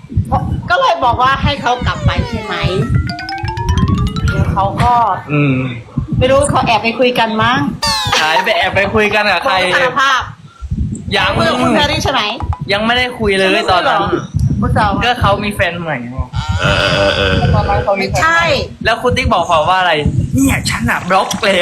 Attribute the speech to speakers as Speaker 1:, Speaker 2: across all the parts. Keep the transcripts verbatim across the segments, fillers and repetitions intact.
Speaker 1: ก็เลยบอกว่าให้เขากลับไปใช่ไหมแล้วเขาก็
Speaker 2: อืม
Speaker 1: ไม่รู้เขาแอบไปคุยกันมั้ง
Speaker 2: หายไปแอบไปคุยกันกับใคร
Speaker 1: สารภาพ
Speaker 2: ยัง
Speaker 1: เมื่อคุณแพรรี่ใช่ไหม
Speaker 2: ยังไม่ได้คุยเลยตอนนั้น
Speaker 1: ผู้สาว
Speaker 2: ก็เขามีแฟนใหม่
Speaker 3: เออเออเออ
Speaker 2: ตอนนั้นเขามี
Speaker 1: ไม่
Speaker 2: แฟน
Speaker 1: ใช่
Speaker 2: แล้วคุณติ๊กบอกเขาว่าอะไร เนี่ยฉันอะบล็อกแล้ว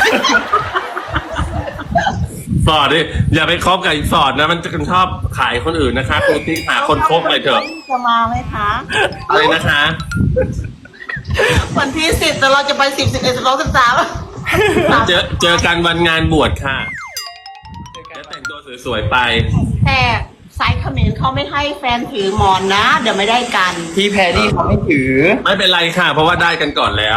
Speaker 3: ฟอร์ดดิอย่าไปคบกับอีฟอร์ดนะมันจะชอบขายคนอื่นนะคะคุณที่หาคนคบไปเถอะ
Speaker 1: จะมาไหมคะ
Speaker 3: อะไรนะคะ
Speaker 1: วันที่สิบแต่เราจะไปสิบสิบเอ็ดสิบสองสิบสาม
Speaker 3: เจอเจอกันวันงานบวชค่ะแล้วแต่งตัวสวยๆไป
Speaker 1: แต่สายเขมรเขาไม่ให้แฟนถือหมอนนะ เดี๋ยวไม่ได้กัน
Speaker 2: พี่แพรรี่เขาไม่ถือ
Speaker 3: ไม่เป็นไรค่ะ เพราะว่าได้กันก่อนแล้ว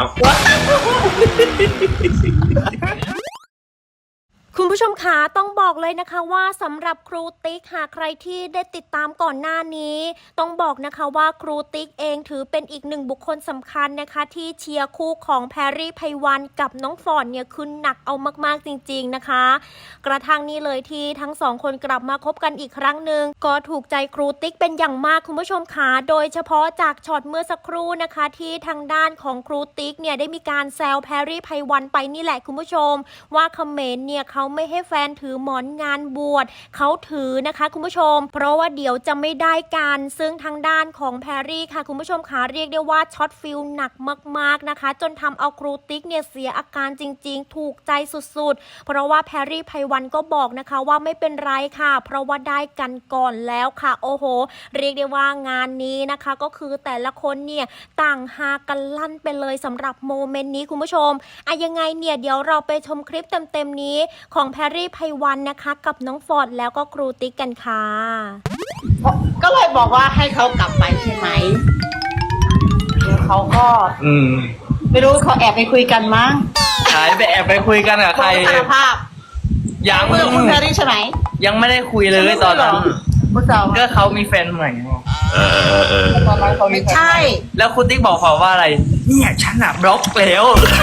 Speaker 4: คุณผู้ชมคะต้องบอกเลยนะคะว่าสำหรับครูติ๊กหากใครที่ได้ติดตามก่อนหน้านี้ต้องบอกนะคะว่าครูติ๊กเองถือเป็นอีกหนึ่งบุคคลสำคัญนะคะที่เชียร์คู่ของแพรรี่ไพวันกับน้องฟอร์ดเนี่ยคือหนักเอามากๆจริงๆนะคะกระทั่งนี้เลยที่ทั้งสองคนกลับมาคบกันอีกครั้งหนึ่งก็ถูกใจครูติ๊กเป็นอย่างมากคุณผู้ชมคะโดยเฉพาะจากช็อตเมื่อสักครู่นะคะที่ทางด้านของครูติ๊กเนี่ยได้มีการแซวแพรรี่ไพวันไปนี่แหละคุณผู้ชมว่าเขมรเนี่ยเขาไม่ให้แฟนถือหมอนงานบวชเขาถือนะคะคุณผู้ชมเพราะว่าเดี๋ยวจะไม่ได้กันซึ่งทางด้านของแพรรี่ค่ะคุณผู้ชมคะเรียกได้ว่าช็อตฟิลหนักมากๆนะคะจนทำเอาครูติ๊กเนี่ยเสียอาการจริงๆถูกใจสุดๆเพราะว่าแพรรี่ไพวันก็บอกนะคะว่าไม่เป็นไรค่ะเพราะว่าได้กันก่อนแล้วค่ะโอ้โหเรียกได้ว่างานนี้นะคะก็คือแต่ละคนเนี่ยต่างฮากันลั่นไปเลยสำหรับโมเมนต์นี้คุณผู้ชมอะยังไงเนี่ยเดี๋ยวเราไปชมคลิปเต็มๆนี้ของแพรรี่ไพวันนะคะกับน้องฟอร์ดแล้วก็ครูติ๊กกันค่ะ
Speaker 1: ก็เลยบอกว่าให้เขากลับไปใช่ไหมแล้วเขาก็
Speaker 2: อืม
Speaker 1: ไม่รู้เขาแอบไปคุยกันมั้ง
Speaker 2: หายไปแอบไปคุยกันกับใคร
Speaker 1: สารภาพ
Speaker 2: ยัง
Speaker 1: เมื่อคุณแพรรี่ใช่ไหม
Speaker 2: ยังไม่ได้คุยเลยตอนนั้น
Speaker 1: ผู้สาว
Speaker 2: ก็เขามีแฟนใหม่
Speaker 3: เออเออเออ
Speaker 2: ตอนนั้นเขามี
Speaker 1: ไม่
Speaker 2: แฟน
Speaker 1: ใช่
Speaker 2: แล้วคุณติ๊กบอกเขาว่าอะไร เนี่ยฉันอะบล็อกแล้ว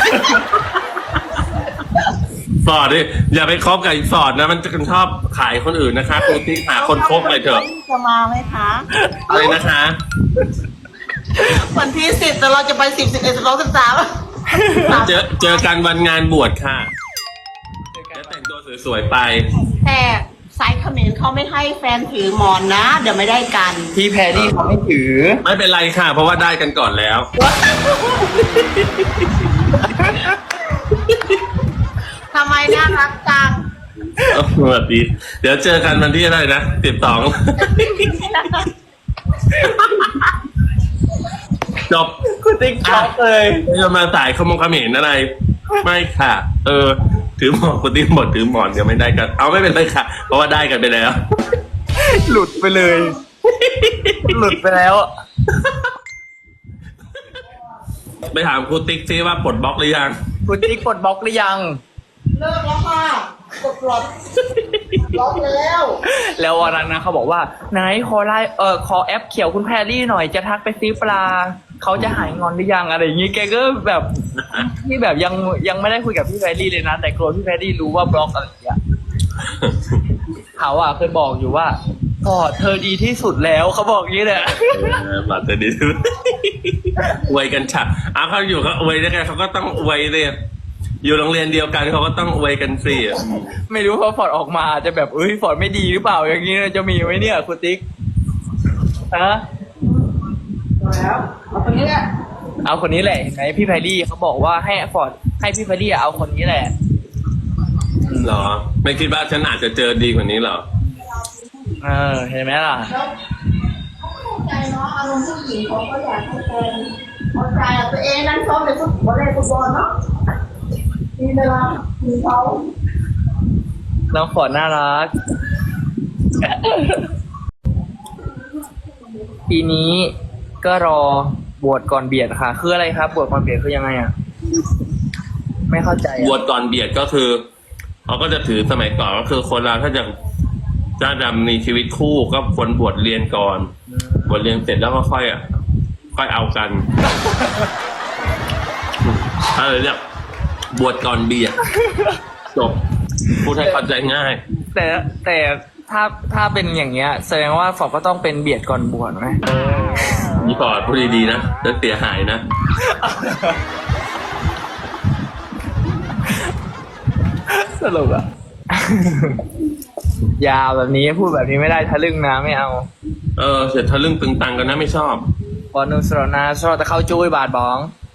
Speaker 3: ฟอร์ดดิอย่าไปคบกับอีฟอร์ดนะมันจะชอบขายคนอื่นนะคะคุณที่หาคนคบไปเถอะ
Speaker 1: จะมาไหมคะ
Speaker 3: อะไรนะคะ
Speaker 1: วันที่สิบแต่เราจะไปสิบสิบเอ็ดสิบสองสิบสาม
Speaker 3: เจอเจอกันวันงานบวชค่ะแล้วแต่งตัวสวยๆไป
Speaker 1: แต่สายเขมรเขาไม่ให้แฟนถือหมอนนะ เดี๋ยวไม่ได้กัน
Speaker 2: พี่แพรรี่เขาไม่ถือ
Speaker 3: ไม่เป็นไรค่ะ เพราะว่าได้กันก่อนแล้ว
Speaker 1: ทำไมน่ารักจัง
Speaker 3: สวัสดี เดี๋ยวเจอกันวันที่อะไรนะสิบสองจบ
Speaker 2: คุณติ๊กช็อกเลย
Speaker 3: ไม่จะมาสายขโมงเขมรอะไร ไม่ค่ะ เออ ถือหมอนคนที่หมดถือหมอนเดี๋ยวไม่ได้กัน เอาไม่เป็นไรค่ะ เพราะว่าได้กันไปแล้ว
Speaker 2: หลุดไปเลย หลุดไปแล้ว
Speaker 3: ไปถามครูติ๊กซิว่าปลดบล็อกหรือยัง
Speaker 2: คุณติ๊กกดบล็อกหรือยัง
Speaker 1: เลิกแล้วค่ะกดปลดล็อกแล้ว
Speaker 2: แล้ววันนั้นนะเขาบอกว่าไหนขอไลน์เออขอแอปเขียวคุณแพรรี่หน่อยจะทักไปซื้อปลาเขาจะหายงอนหรือยังอะไรอย่างงี้แกก็แบบที่แบบยังยังไม่ได้คุยกับพี่แพรรี่เลยนะแต่กลัวพี่แพรรี่รู้ว่าบล็อกอะไรอย่างเงี้ยเขาอ่ะเคยบอกอยู่ว่าพอเธอดีที่สุดแล้วเขาบอกอย่างนี้เลย
Speaker 3: เออบัตรจะดีอวยกันฉะอ้าวเขาอยู่เขาอวยได้ไงเขาก็ต้องอวยเลยอยู่โรงเรียนเดียวกันเขาก็ต้องอวยกันสิ
Speaker 2: ไม่รู้เพราะฟอร์ดออกมาจะแบบเอ้ยฟอร์ดไม่ดีหรือเปล่าอย่างนี้จะมีไหมเนี่ยคุณติ๊กฮะ
Speaker 1: แล้วเอาคนนี้แหละ
Speaker 2: เอาคนนี้แหละเห็นไหมพี่แพรรี่เขาบอกว่าให้ฟอร์ดให้พี่แพรรี่เอาคนนี้แหละ
Speaker 3: เหรอ ไม่คิดว่าฉันอาจจะเจอดีกว่านี้เหรอ
Speaker 2: เออเห็นไหมล่ะ
Speaker 1: แล้วเขาเข้าใจเนาะอารมณ์ผู้หญิงเขาก็อยากให้แฟนเข้าใจอะตัวเองนั่นซ้อมในฟุตบอลเล่นฟุตบอลเนาะมีเวลามีเขา
Speaker 2: น้องฟอร์ดน่ารัก ปีนี้ก็รอบวชก่อนเบียดค่ะ คืออะไรครับบวชก่อนเบียดคือยังไงอ่ะ ไม่เข้าใจ
Speaker 3: บว
Speaker 2: อ่ะ
Speaker 3: ชก่อนเบียดก็คือเขาก็จะถือสมัยก่อนก็คือคนเราถ้าจะจะดำมีชีวิตคู่ก็ควรบวชเรียนก่อนบวชเรียนเสร็จแล้วก็ค่อยอ่ะค่อยเอากันอะไรเนี่ยบวชก่อนเบียดจบพูดให้เข้าใจง่าย
Speaker 2: แต่แต่ถ้าถ้าเป็นอย่างเงี้ยแสดงว่าฟอร์ดก็ต้องเป็นเบียดก่อนบวชไหม
Speaker 3: นี่ปอดพูดดีๆนะจะเสียหายนะ
Speaker 2: สรุปอะ ยาวแบบนี้พูดแบบนี้ไม่ได้ทะลึ่งนะไม่เอา
Speaker 3: เออเสร็จทะลึ่งตึงตังกันนะไม่ชอบ
Speaker 2: ปอนุสรนาสรแต่เข้าจุ้ยบาทบอง